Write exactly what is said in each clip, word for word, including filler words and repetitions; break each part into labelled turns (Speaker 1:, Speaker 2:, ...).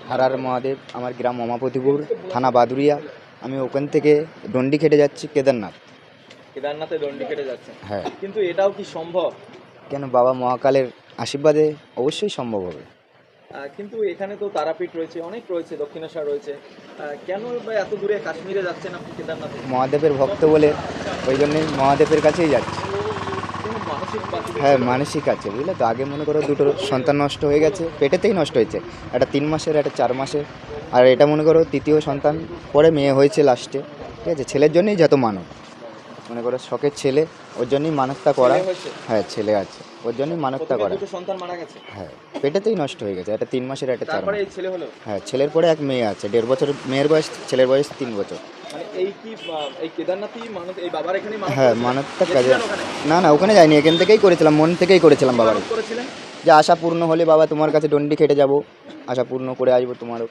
Speaker 1: হারার মহাদেব, আমার গ্রাম অমাপতিপুর, থানা বাদুরিয়া। আমি ওখান থেকে ডন্ডি খেটে যাচ্ছি কেদারনাথ।
Speaker 2: কেদারনাথে ডন্ডি কেটে যাচ্ছে?
Speaker 1: হ্যাঁ।
Speaker 2: কিন্তু এটাও কি সম্ভব?
Speaker 1: কেন, বাবা মহাকালের আশীর্বাদে অবশ্যই সম্ভব হবে।
Speaker 2: কিন্তু এখানে তো তারাপীঠ রয়েছে, অনেক রয়েছে, দক্ষিণেশ্বর রয়েছে, কেন এত দূরে কাশ্মীরে যাচ্ছেন আপনি কেদারনাথে?
Speaker 1: মহাদেবের ভক্ত বলে ওই জন্যই মহাদেবের কাছেই যাচ্ছি। হ্যাঁ, মানসিক আছে, বুঝলে তো। আগে মনে করো দুটো সন্তান নষ্ট হয়ে গেছে, পেটেতেই নষ্ট হয়েছে, একটা তিন মাসের একটা চার মাসের, আর এটা মনে করো তৃতীয় সন্তান, পরে মেয়ে হয়েছে লাস্টে। ঠিক আছে, ছেলের জন্যই যত মানত, মনে করো শখের ছেলে, ওর জন্যই মানতটা করা। হ্যাঁ, ছেলে আছে, ওর জন্যই মানতটা করা।
Speaker 2: সন্তান মারা গেছে?
Speaker 1: হ্যাঁ, পেটেতেই নষ্ট হয়ে গেছে, একটা তিন মাসের একটা চার মাসের।
Speaker 2: ছেলে হলো?
Speaker 1: হ্যাঁ, ছেলের পরে এক মেয়ে আছে, দেড় বছর মেয়ের বয়স, ছেলের বয়স তিন বছর। হ্যাঁ, মানতটা কাজে। না না, ওখানে যাইনি, এখান থেকেই করেছিলাম, মন থেকেই করেছিলাম বাবার, যে আশা পূর্ণ হলে বাবা তোমার কাছে ডন্ডি খেটে যাব, আশা পূর্ণ করে আসবো তোমারও।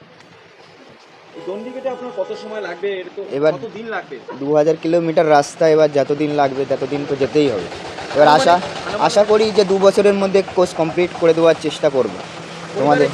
Speaker 1: এবার দু হাজার কিলোমিটার রাস্তা, এবার যতদিন লাগবে ততদিন তো যেতেই হবে। এবার আশা আশা করি যে দু বছরের মধ্যে কোর্স কমপ্লিট করে দেওয়ার চেষ্টা করবো। তোমাদের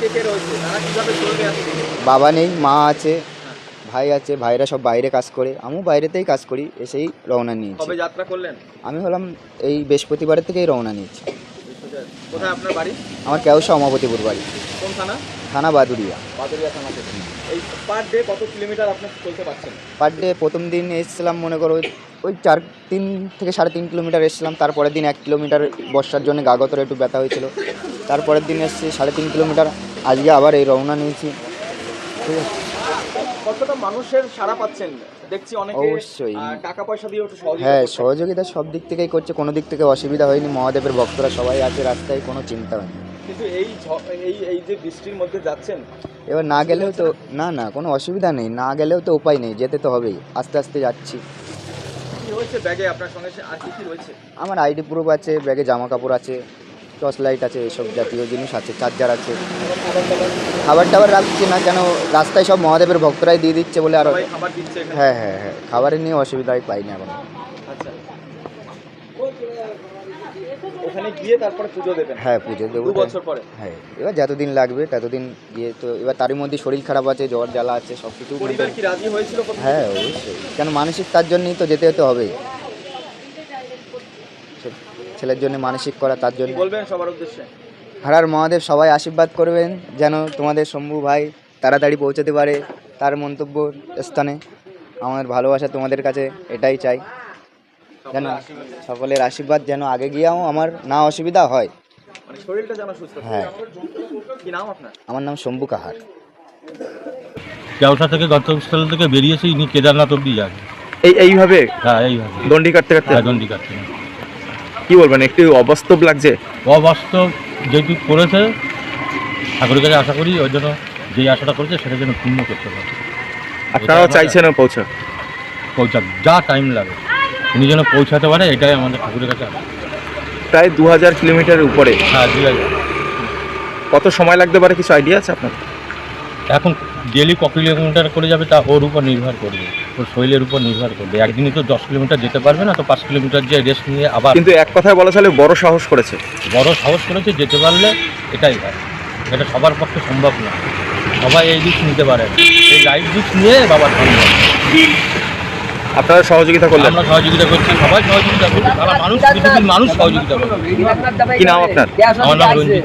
Speaker 1: বাবা নেই, মা আছে, ভাই আছে, ভাইরা সব বাইরে কাজ করে, আমিও বাইরেতেই কাজ করি, এসেই রওনা নিয়েছি।
Speaker 2: কবে যাত্রা করলেন?
Speaker 1: আমি হলাম এই বৃহস্পতিবারের থেকেই রওনা নিয়েছি।
Speaker 2: কোথায় আপনার বাড়ি?
Speaker 1: আমার কেউসা অমাপতিপুর বাড়ি।
Speaker 2: কোন থানা?
Speaker 1: থানা বাদুরিয়া।
Speaker 2: বাদুরিয়া থানা থেকে। এই পার ডে কত কিলোমিটার আপনি চলতে পারছেন?
Speaker 1: পার ডে প্রথম দিন এসেছিলাম মনে করো ওই চার তিন থেকে সাড়ে তিন কিলোমিটার এসেছিলাম, তারপরের দিন এক কিলোমিটার, বর্ষার জন্য গা গতরে একটু ব্যথা হয়েছিল, তারপরের দিন এসেছি সাড়ে তিন কিলোমিটার, আজকে আবার এই রওনা নিয়েছি। ঠিক আছে,
Speaker 2: কতটা মানুষের সাড়া পাচ্ছেন দেখছি? অনেকে
Speaker 1: অবশ্যই
Speaker 2: টাকা পয়সা দিয়ে একটু সহযোগিতা।
Speaker 1: হ্যাঁ, সহযোগিতা সব দিক থেকেই করছে, কোনো দিক থেকে অসুবিধা হয়নি। মহাদেবের ভক্তরা সবাই আছে রাস্তায়, কোনো চিন্তা হয়নি।
Speaker 2: কিন্তু এই এই এই যে বৃষ্টির মধ্যে যাচ্ছেন,
Speaker 1: এবার না গেলেও তো না না কোনো অসুবিধা নেই, না গেলেও তো উপায় নেই, যেতে তো হবেই, আস্তে আস্তে যাচ্ছি।
Speaker 2: কি হয়েছে ব্যাগে আপনার সঙ্গে, আর কি কি রয়েছে?
Speaker 1: আমার আইডি প্রুফ আছে, ব্যাগে জামা কাপড় আছে, টর্চ লাইট আছে, এসব জাতীয় জিনিস আছে, চার্জার আছে। খাবার টাবার রাখছি না, কেন রাস্তায় সব মহাদেবের ভক্তরাই দিয়ে দিচ্ছে বলে। আর
Speaker 2: খাবার দিচ্ছে?
Speaker 1: হ্যাঁ হ্যাঁ হ্যাঁ, খাবারের নিয়ে অসুবিধাই পাই না এখন।
Speaker 2: আচ্ছা, ওখানে গিয়ে তারপরে পুজো দেবেন?
Speaker 1: হ্যাঁ, পুজো দেবো
Speaker 2: দু বছর পরে।
Speaker 1: হ্যাঁ, এবার যতদিন লাগবে ততদিন গিয়ে তো, এবার তারই মধ্যে শরীর খারাপ আছে, জ্বর জ্বালা আছে, সব কিছু।
Speaker 2: পরিবার কি রাজি হয়েছিল?
Speaker 1: হ্যাঁ, অবশ্যই, কেন মানসিক তার জন্যই তো যেতে যেতে হবেই, ছেলের জন্য মানসিক করা, তার জন্য।
Speaker 2: বলবেন সবার উদ্দেশ্যে?
Speaker 1: হারার মহাদেব সবাই আশীর্বাদ করবেন যেন তোমাদের শম্ভু ভাই তাড়াতাড়ি পৌঁছাতে পারে তার মন্তব্য স্থানে। আমার ভালোবাসা তোমাদের কাছে এটাই চাই, যেন সকলের আশীর্বাদ যেন আগে গিয়েও আমার না অসুবিধা হয়,
Speaker 2: মানে শরীরটা যেন সুস্থ।
Speaker 1: হ্যাঁ।
Speaker 2: কি নাম আপনার?
Speaker 1: আমার নাম শম্ভু কাহার।
Speaker 3: কেওসা থেকে গন্তব্যস্থল থেকে বেরিয়েছি, ইনি কেদারনাথ অব্দি যান।
Speaker 4: এই এইভাবে?
Speaker 3: হ্যাঁ, এইভাবে
Speaker 4: দণ্ডি কাটতে কাটতে?
Speaker 3: হ্যাঁ, দণ্ডি কাটতে।
Speaker 4: কি বলবেন, একটু অবাস্তব লাগছে?
Speaker 3: অবাস্তব যেটুকু করেছে, ঠাকুরের কাছে আশা করি ওই জন্য যেই আশাটা করেছে সেটা যেন পূর্ণ করতে পারে।
Speaker 4: আপনারাও চাইছেন পৌঁছা
Speaker 3: পৌঁছাক, যা টাইম লাগে উনি যেন পৌঁছাতে পারে, এটাই আমাদের ঠাকুরের কাছে আশা।
Speaker 4: প্রায় দু হাজার কিলোমিটারের উপরে?
Speaker 3: হ্যাঁ, দু হাজার।
Speaker 4: কত সময় লাগতে পারে, কিছু আইডিয়া আছে আপনার?
Speaker 3: এখন ডেলি ক কিলোমিটার করে যাবে তা ওর উপর নির্ভর করবে, ওর শরীরের উপর নির্ভর করবে। একদিনই তো দশ কিলোমিটার যেতে পারবে না, তো পাঁচ কিলোমিটার যে রেস্ট নিয়ে আবার।
Speaker 4: কিন্তু এক কথায় বলা চলে বড় সাহস করেছে।
Speaker 3: বড় সাহস করেছে, যেতে পারলে এটাই হয়। এটা সবার পক্ষে সম্ভব না, সবাই এই দিক নিতে পারে না, এই লাইফ দিক নিয়ে বাবার সম্ভব।
Speaker 4: আপনারা সহযোগিতা করলেন?
Speaker 3: আমরা সহযোগিতা করছি, সবাই সহযোগিতা করছি, সারা মানুষ, পৃথিবীর মানুষ সহযোগিতা করছে।
Speaker 4: কি নাম আপনার?
Speaker 3: আমার নাম রঞ্জিত।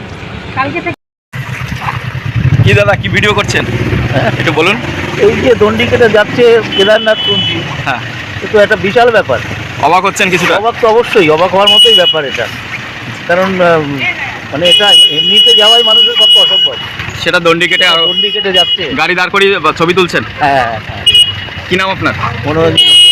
Speaker 4: কি দাদা, কি ভিডিও করছেন একটু বলুন?
Speaker 5: এই যে দণ্ডি কেটে যাচ্ছে কেদারনাথ শুনছি,
Speaker 4: হ্যাঁ,
Speaker 5: এ তো একটা বিশাল ব্যাপার।
Speaker 4: অবাক হচ্ছেন কিছুটা?
Speaker 5: অবাক তো অবশ্যই, অবাক হওয়ার মতোই ব্যাপার এটা, কারণ মানে এটা এমনিতে যাওয়াই মানুষের পক্ষে অসম্ভব,
Speaker 4: সেটা দণ্ডি কেটে আর
Speaker 5: দণ্ডি কেটে যাচ্ছে,
Speaker 4: গাড়ি দাঁড় করিয়ে ছবি তুলছেন।
Speaker 5: হ্যাঁ হ্যাঁ।
Speaker 4: কি নাম আপনার?
Speaker 5: মনোরঞ্জন।